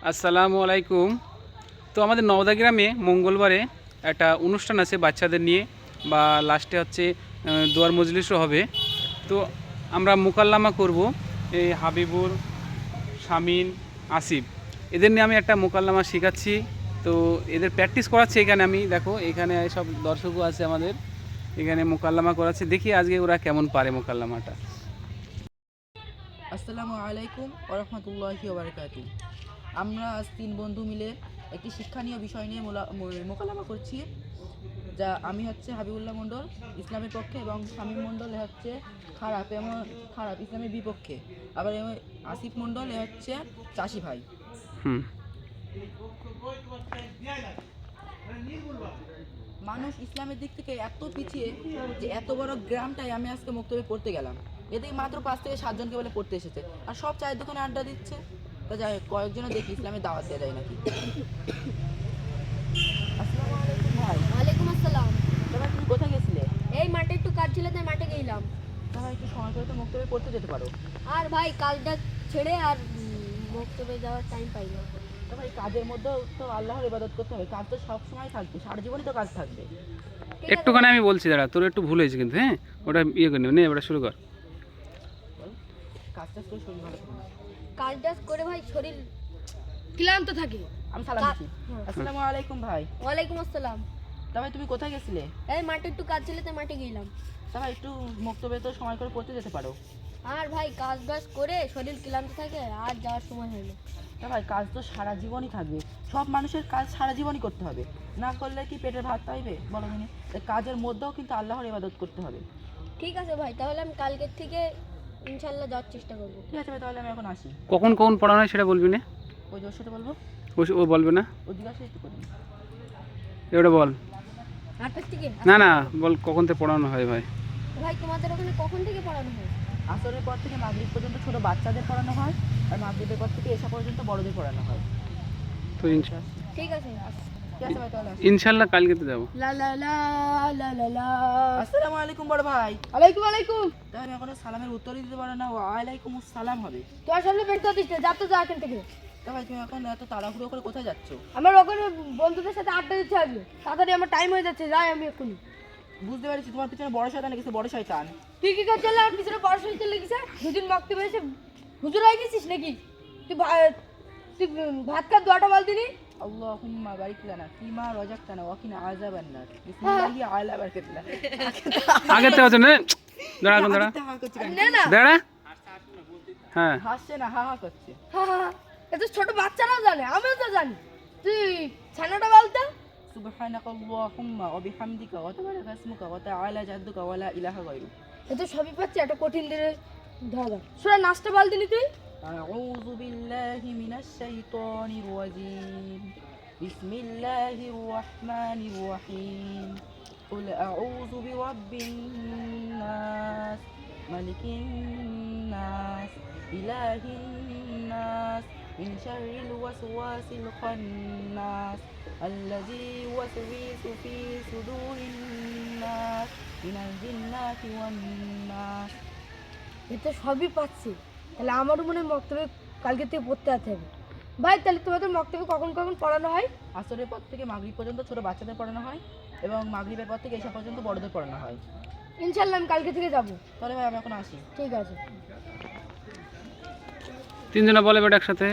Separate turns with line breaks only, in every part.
আসসালামু আলাইকুম। তো আমাদের নওদা গ্রামে মঙ্গলবারে একটা অনুষ্ঠান আছে বাচ্চাদের নিয়ে, বা লাস্টে হচ্ছে দোয়ার মজলিসও হবে। তো আমরা মোকাল্লামা করব। এই হাবিবুর, শামিন, আসিফ, এদের নিয়ে আমি একটা মোকাল্লামা শেখাচ্ছি। তো এদের প্র্যাকটিস করাচ্ছি এখানে। আমি দেখো এখানে সব দর্শকও আছে আমাদের, এখানে মোকাল্লামা করাচ্ছে। দেখি আজকে ওরা কেমন পারে মোকাল্লামাটা।
আসসালামু আলাইকুম ওরহমতুল্লাহি ওবারাকাতু। আমরা আজ 3 বন্ধু মিলে একটি শিক্ষণীয় বিষয় নিয়ে মোকালামা করছি। যা আমি হচ্ছে হাবিবুল্লাহ মণ্ডল, ইসলামের পক্ষে, এবং শামীম মণ্ডল হচ্ছে খারাপ ইসলামের বিপক্ষে। আবার আসিফ মণ্ডল হচ্ছে চাষি ভাই। মানুষ ইসলামের দিক থেকে এত পিছিয়ে যে এত বড় গ্রামটাই আমি আজকে মুক্তবে পড়তে গেলাম, এদিকে মাত্র 5 থেকে 7 জনকে বলে পড়তে এসেছে, আর সব চায়ের দোকানে আড্ডা দিচ্ছে। তা যাই হোক, কয়েকজনও দেখি ইসলামের দাওয়াত দেওয়া যায় নাকি। আসসালামু আলাইকুম ভাই।
ওয়ালাইকুম আসসালাম।
দাদা, তুমি কোথায় গেছিলে?
এই মাঠে একটু কাজ ছিল তাই মাঠে গেলাম।
দাদা, একটু সময় করে তো মুক্তবে পড়তে যেতে পারো।
আর ভাই কাজটা ছেড়ে আর মক্তবে যাওয়ার টাইম পাই না।
তো ভাই, কাজের মধ্যেও তো আল্লাহর ইবাদত করতে হবে। কাজ তো সব সময় থাকবে, সারা জীবনই তো কাজ থাকবে।
একটুখানি আমি বলছি, দাঁড়া, তোর একটু ভুল হয়েছে কিন্তু। হ্যাঁ, ওটা ইয়ে করে নে, ওটা শুরু কর।
কাজটা করে শরীর ভালো থাকে।
কাজটা করে ভাই শরীর ক্লান্ত থাকে।
আমি সালাম দিচ্ছি। আসসালামু আলাইকুম ভাই।
ওয়ালাইকুম আসসালাম।
তা ভাই, তুমি কোথায় গেছিলে?
এই মাঠে একটু কাজ ছিল তাই মাঠে গেলাম।
তা ভাই, একটু মুক্তবে তো সময় করে পড়তে যেতে পারো।
আর ভাই কাজ বাজ করে শরীর ক্লান্ত থাকে আর যাওয়ার সময় হয় না।
তা ভাই, কাজ তো সারা জীবনই থাকবে। সব মানুষের কাজ সারা জীবনই করতে হবে, না করলে কি পেটের ভাত পাইবে বলো দিনে? কাজের মধ্যেও কিন্তু আল্লাহর ইবাদত করতে হবে।
ঠিক আছে ভাই, তাহলে আমি কালকের থেকে ইনশাল্লাহ যাওয়ার চেষ্টা করবো।
ঠিক আছে ভাই, তাহলে আমি এখন আসি।
কখন কখন পড়ানো হয় সেটা বলবি না?
ওই জোর সাথে বলবো,
ও বলবে না?
ও জিজ্ঞাসা একটু করি।
ওটা বল।
8টার থেকে?
না না, বল কখন থেকে পড়ানো হয় ভাই।
ভাই তোমাদের ওখানে কখন থেকে পড়ানো হয়?
আসরের পর থেকে মাগরিব পর্যন্ত ছোট বাচ্চাদের পড়ানো হয়, আর মাগরিবের পর থেকে এসা পর্যন্ত বড়দের পড়ানো হয়।
তো
ঠিক আছে।
ঠিক আছে ভাই, তাহলে আসি।
ইনশাল্লাহ কালকে তো যাবো।
লা লা লা লা লা লা।
আসসালামু আলাইকুম বড় ভাই।
ওয়ালাইকুম আলাইকুম।
তাই আমি এখনো সালামের উত্তরই দিতে পারো না, ওয়ালাইকুম আসসালাম হবে।
তোর সামনে বের করে দিচ্ছে, যা তো যা এখান থেকে।
তা ভাই, তুমি এখন এত তাড়াহুড়ো করে কোথায় যাচ্ছ?
আমার ওখানে বন্ধুদের সাথে আড্ডা দিতে হবে, তাড়াতাড়ি আমার টাইম হয়ে যাচ্ছে, যাই আমি এক্ষুনি।
বুঝতে পারছি তোমার পিছনে বড় শয়তান লেগেছে, বড় শয়তান।
তুই কি কাজ চলে আর পিছনে পড়াশোনা চলে গেছে? দুদিন মক্তে পেয়েছে হুজুর হয়ে গেছিস নাকি? তুই ভাত খাওয়ার দোয়াটা বল দিনি।
আল্লাহুম্মা বারিক লানা ফিমা রাযাকতানা ওয়া কিনা আযাবান নার। বিসমিল্লাহি আলা বারাকাতিল্লাহ।
আগে তো আছে না, দাঁড়া এখন দাঁড়া
না না,
দাঁড়া। হ্যাঁ,
হাসছে না, হা হা করছে।
এত ছোট বাচ্চারাও জানে, আমিও তো জানি। তুই ছানাটা বলতো।
সুবহানাকাল্লাহুম্মা ওয়া বিহামদিকা ওয়া তাবারাকা ইসমুকা ওয়া তাআলা জাদ্দুকা ওয়া লা ইলাহা গায়রুক।
এত সবই পাচ্ছি, একটা কঠিন দিনে ধরা সূরা নাসটা বল দিনি তুই।
আউযু বিল্লাহি মিনাশ শাইতানির রাজীম। বিসমিল্লাহির রাহমানির রাহিম। কুল আউযু বিরাব্বিন নাস, মালিকিন নাস, ইলাহিন নাস, মিন শাররিল ওয়াসওয়াসিল খান্নাস, আল্লাযী ইউওয়াসওয়িসু ফী সুদুরিন নাস, মিনাল জিন্নাতি ওয়ান নাস।
এটা সবই পাচ্ছি, তাহলে আমারও মনে হয় মক্তবে কালকে থেকে পড়তে আসতে হবে। ভাই তাহলে তোমাদের মক্তবে কখন কখন পড়ানো হয়?
আসরের পর থেকে মাগরিব পর্যন্ত ছোট বাচ্চাদের পড়ানো হয়, এবং মাগরিবের পর থেকে এসা পর্যন্ত বড়দের পড়ানো হয়।
ইনশাল্লাহ আমি কালকে থেকে যাব।
তাহলে ভাই, আমি এখন আসি।
ঠিক আছে।
তিনজনে বলে বেটা একসাথে।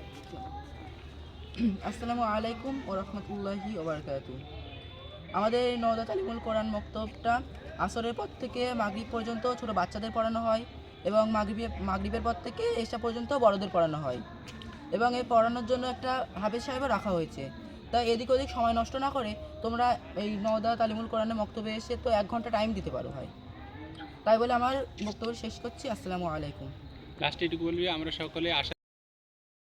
আসসালামু আলাইকুম ওয়া রাহমাতুল্লাহি ওয়া বারাকাতুহু। আমাদের এই নওদা তালিমুল কোরআন মক্তবটা আসরের পর থেকে মাগরিব পর্যন্ত ছোট বাচ্চাদের পড়ানো হয়, এবং মাগরিবের পর থেকে এসা পর্যন্ত বড়দের পড়ানো হয়, এবং এই পড়ানোর জন্য একটা হাফেজ সাহেবও রাখা হয়েছে। তাই এদিক ওদিক সময় নষ্ট না করে তোমরা এই নওদা তালিমুল কোরআনের মক্তবে এসে তো 1 ঘন্টা টাইম দিতে পারো ভাই। তাই বলে আমার বক্তব্য শেষ করছি। আসসালামু আলাইকুম।
লাস্টে এটুকু বলবি, আমরা সকলে আশা